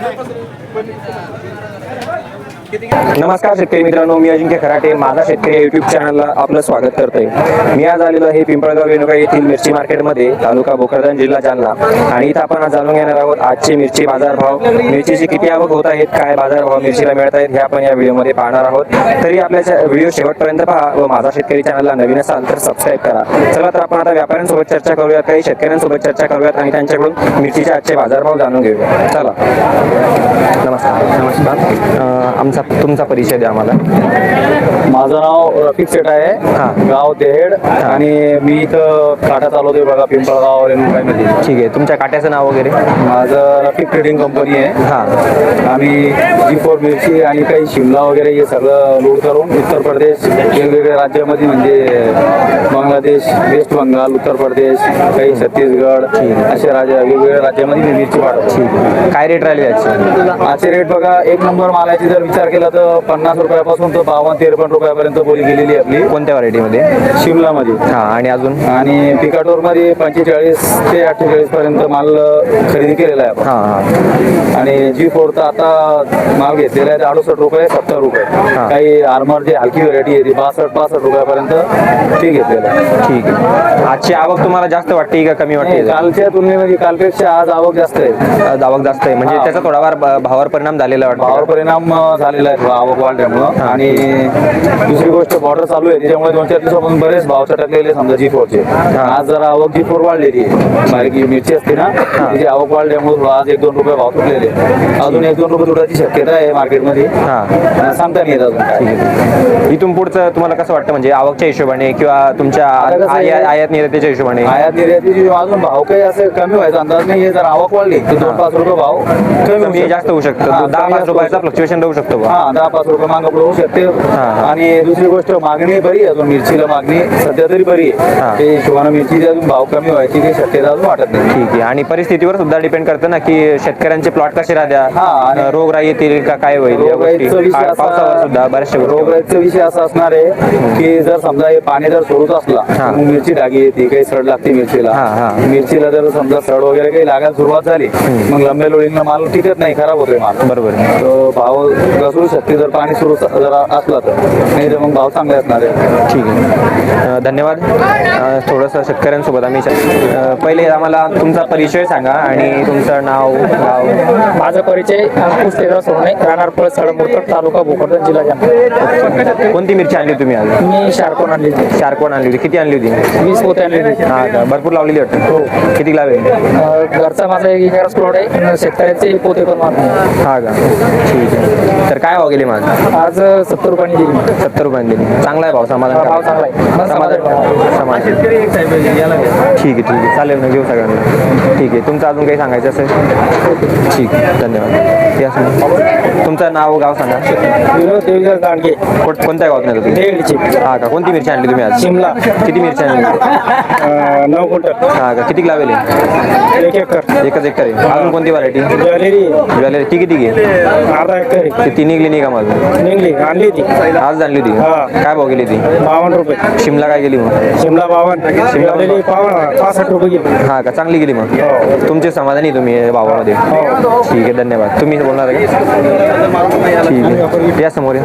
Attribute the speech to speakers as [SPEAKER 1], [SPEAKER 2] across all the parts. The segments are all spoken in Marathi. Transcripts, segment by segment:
[SPEAKER 1] नमस्कार शेतकरी मित्रांनो, मी अजिंक्य खराटे माझा शेतकरी युट्यूब चॅनलला आपलं स्वागत करतोय। मी आज आलेलो आहे पिंपळगाव रेणुका येथील मिरची मार्केटमध्ये, तालुका भोकरदन, जिल्हा जालना। आणि इथं आपण आज जाणून घेणार आहोत आजचे मिरची बाजार भाव, मिरचीची किती आवक होत आहेत, काय बाजार भाव मिरचीला मिळत आहेत हे आपण या व्हिडिओमध्ये पाहणार आहोत। तरी आपल्या व्हिडिओ शेवटपर्यंत पहा व माझा शेतकरी चॅनलला नवीन असाल तर सबस्क्राईब करा। चला तर आपण आता व्यापाऱ्यांसोबत चर्चा करूयात, काही शेतकऱ्यांसोबत चर्चा करूयात आणि त्यांच्याकडून मिरचीचे आजचे बाजार भाव जाणून घेऊया। चला। नमस्कार, तुमचा परिचय द्या आम्हाला।
[SPEAKER 2] माझं नाव रफिक सेठ आहे, गाव देहेड, आणि मी इथं काटा चालवतोय बघा पिंपळगाव रेणुकामध्ये।
[SPEAKER 1] ठीक आहे, तुमच्या काट्याचं नाव वगैरे?
[SPEAKER 2] माझं रफिक ट्रेडिंग कंपनी आहे। आम्ही G4 मिरची आणि काही शिमला वगैरे हे सगळं लोड करून उत्तर प्रदेश, वेगवेगळ्या राज्यामध्ये म्हणजे बांगलादेश, वेस्ट बंगाल, उत्तर प्रदेश, काही छत्तीसगड असे वेगवेगळ्या राज्यामध्ये मी मिरची पाठवतो।
[SPEAKER 1] काय रेट राहिले
[SPEAKER 2] आजचे रेट बघा, एक नंबर मालाची जर विचार केला तर 50 रुपयापासून तर 52-53 रुपयापर्यंत बोली गेलेली आपली।
[SPEAKER 1] कोणत्या व्हरायटीमध्ये?
[SPEAKER 2] शिमलामध्ये।
[SPEAKER 1] आणि अजून?
[SPEAKER 2] आणि पिकाटोर मध्ये 45 ते 48 पर्यंत माल खरेदी केलेला आहे। आणि G4 तर आता माल घेतलेला आहे 68 रुपये, 70 रुपये। काही आर्मर जे हलकी व्हरायटी आहे ती 62-65 रुपयापर्यंत ते घेतलेलं आहे।
[SPEAKER 1] ठीक आहे, आजची आवक तुम्हाला जास्त वाटते का कमी वाटते?
[SPEAKER 2] कालच्या तुलनेमध्ये कालपेक्षा आज आवक जास्त आहे।
[SPEAKER 1] आवक जास्त आहे म्हणजे त्याचा थोडाफार भावावर परिणाम झालेला वाटतो?
[SPEAKER 2] भावावर परिणाम झालेला आहे आवक वाढल्यामुळं। आणि दुसरी गोष्ट बॉर्डर चालू आहे त्याच्यामुळे 2-4 दिवसापासून बरेच भाव चटकलेले समजा G4 चे। आज जरा आवक G4 वाढलेली आहे, बारीक मिरची असते ना त्याची आवक वाढल्यामुळे आज 1-2 रुपये भाव तुटलेले, अजून 1-2 रुपये तुटायची शक्यता आहे मार्केटमध्ये, सांगता नाही येत अजून।
[SPEAKER 1] इथून पुढचं तुम्हाला कसं वाटतं म्हणजे आवकच्या हिशोबाने किंवा तुमच्या आयात निर्यातीच्या हिशोबाने?
[SPEAKER 2] आयात निर्यातीची अजून भाव काही असं कमी व्हायचा अंदाज नाही, जर आवक वाढली तर 2-5 रुपये भाव
[SPEAKER 1] कमी जास्त होऊ शकतं, 10-5 रुपयाचा फ्लक्च्युएशन राहू शकतो।
[SPEAKER 2] 10-5 रुपये मागं पुढे होऊ शकते। आणि दुसरी गोष्ट मागणी बरी आहे अजून, मिरचीला मागणी सध्या तरी बरी आहे, ते हिशोबाने मिरचीची अजून भाव कमी व्हायची काही शक्यता अजून वाटत नाही।
[SPEAKER 1] ठीक आहे, आणि परिस्थितीवर सुद्धा डिपेंड करतं ना की शेतकऱ्यांचे प्लॉट कसे राहत्या, रोगराई येतील का काय होईल, पावसावर सुद्धा बऱ्याचशा
[SPEAKER 2] रोगराईचा विषय असा असणार आहे की जर समजा हे पाणी जर सोडत असला मिरची डागी येते, काही सड लागते मिरचीला जर समजा सड वगैरे काही लागायला सुरुवात झाली मग लंब्या लोळींना माल टिकत नाही, खराब होतोय माल।
[SPEAKER 1] बरोबर,
[SPEAKER 2] भाव घसरू शकते जर पाणी सुरू जर असला तर, नाही तर मग भाव चांगले असणार आहे।
[SPEAKER 1] ठीक आहे, धन्यवाद। थोडंसं शेतकऱ्यांसोबत आम्ही पहिले आम्हाला तुमचा परिचय सांगा आणि तुमचं नाव गाव।
[SPEAKER 3] माझा परिचय अंकुश तेजा सोने, राहणार पळस मुरतड, तालुका भोकरदन, जिल्हा जालना।
[SPEAKER 1] कोणती मिरची आणली तुम्ही आज?
[SPEAKER 3] मी शार्कोन आणली होती।
[SPEAKER 1] शार्कोन आणली होती, किती आणली होती?
[SPEAKER 3] 20 पोते आणली होती।
[SPEAKER 1] का भरपूर लावलेली वाटतं? हो। किती लावेल?
[SPEAKER 3] घरचा माझा 1 एकर प्लॉट आहे, शेतकऱ्याचे पोते पण मारतो।
[SPEAKER 1] का ठीक आहे, तर काय भाव गेली माझ?
[SPEAKER 3] आज 70 रुपयांनी दिली।
[SPEAKER 1] 70 रुपयांनी दिली, चांगला आहे भाव, समाधान?
[SPEAKER 3] भाव चांगला आहे,
[SPEAKER 1] समाधान। ठीक आहे, चालेल ना, घेऊ सगळ्यांना। ठीक आहे, तुमचं अजून काही सांगायचं असेल? ठीक आहे, धन्यवाद। या तुमचं नाव गाव सांगा। कोणत्या गावात नाही तुम्ही? हा का, कोणती मिरची आणली तुम्ही आज?
[SPEAKER 3] शिमला।
[SPEAKER 1] किती मिरची आणली?
[SPEAKER 3] 9 क्विंटल।
[SPEAKER 1] हा का, किती लावेल?
[SPEAKER 3] 1 एकर।
[SPEAKER 1] एकच एकर आहे। अजून कोणती व्हरायटी? ज्वेलरी ती किती घे?
[SPEAKER 3] अर्धा एकर।
[SPEAKER 1] ती निघली नाही का माझं?
[SPEAKER 3] निघली, आणली ती
[SPEAKER 1] आज आणली होती? काय भाव गेली ती?
[SPEAKER 3] 52 रुपये।
[SPEAKER 1] शिमला काय गेली मग?
[SPEAKER 3] शिमला 52, शिमला 65 रुपये गेली।
[SPEAKER 1] हा का, चांगली गेली मग? तुमचे समाधानी तुम्ही भावामध्ये? ठीक आहे, धन्यवाद। तुम्ही बोलणार आहे का? ठीक आहे, या समोर।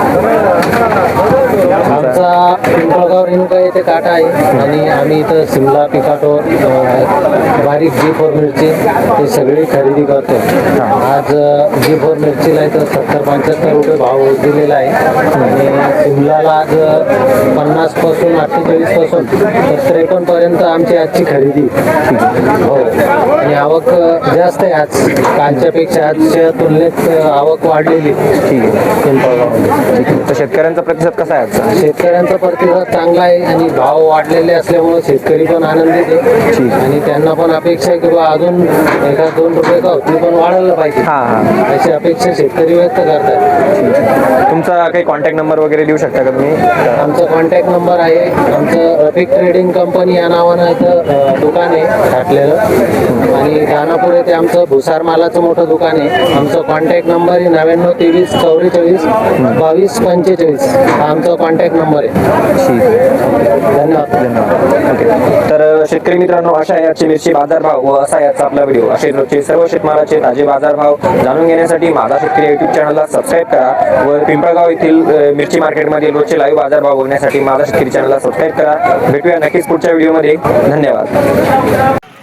[SPEAKER 4] आमचा पिंपळगाव रेणुका येथे काटा आहे आणि आम्ही इथं शिमला, पिकाटोर, बारीक G4 मिरची हे सगळी खरेदी करतो। आज G4 मिरचीला इथं 70-75 रुपये भाव दिलेला आहे आणि शिमलाला आज 50 पासून 48 पासून 70-51 पर्यंत आमची आजची खरेदी हो। आणि आवक जास्त आहे आज, कालच्या पेक्षा आजच्या तुलनेत आवक वाढलेली। ठीक आहे, पिंपळगाव।
[SPEAKER 1] तर शेतकऱ्यांचा प्रतिसाद कसा आहे आजचा?
[SPEAKER 4] शेतकऱ्यांचा प्रतिसाद चांगला आहे आणि भाव वाढलेले असल्यामुळे शेतकरी पण आनंदित आहे आणि त्यांना पण अपेक्षा आहे की बा अजून 1-2 रुपये का होती पण वाढायला पाहिजे, अशी अपेक्षा शेतकरी व्यक्त करतात।
[SPEAKER 1] तुमचा काही कॉन्टॅक्ट नंबर वगैरे देऊ शकता का तुम्ही?
[SPEAKER 4] आमचा कॉन्टॅक्ट नंबर आहे, आमचं रफिक ट्रेडिंग कंपनी या नावानं इथं दुकान आहे टाकलेलं आणि दानापूर येथे आमचं भुसार मालाचं मोठं दुकान आहे। आमचा कॉन्टॅक्ट नंबर आहे 99 23 44 22 45, हा आमचा कॉन्टॅक्ट नंबर आहे।
[SPEAKER 1] ठीक आहे, धन्यवाद। ओके, तर शेतकरी मित्रांनो, अशा आहे आजचे मिरची बाजारभाव व असा आहे आजचा आपला व्हिडिओ. असे रोजचे सर्व शेतमालाचे ताजे बाजारभाव जाणून घेण्यासाठी माझा शेतकरी युट्यूब चॅनलला सबस्क्राईब करा व पिंपळगाव येथील मिरची मार्केटमध्ये रोजचे लाईव्ह बाजारभाव बघण्यासाठी माझा शेतकरी चॅनलला सबस्क्राईब करा. भेटूया नक्कीच पुढच्या व्हिडिओमध्ये. धन्यवाद.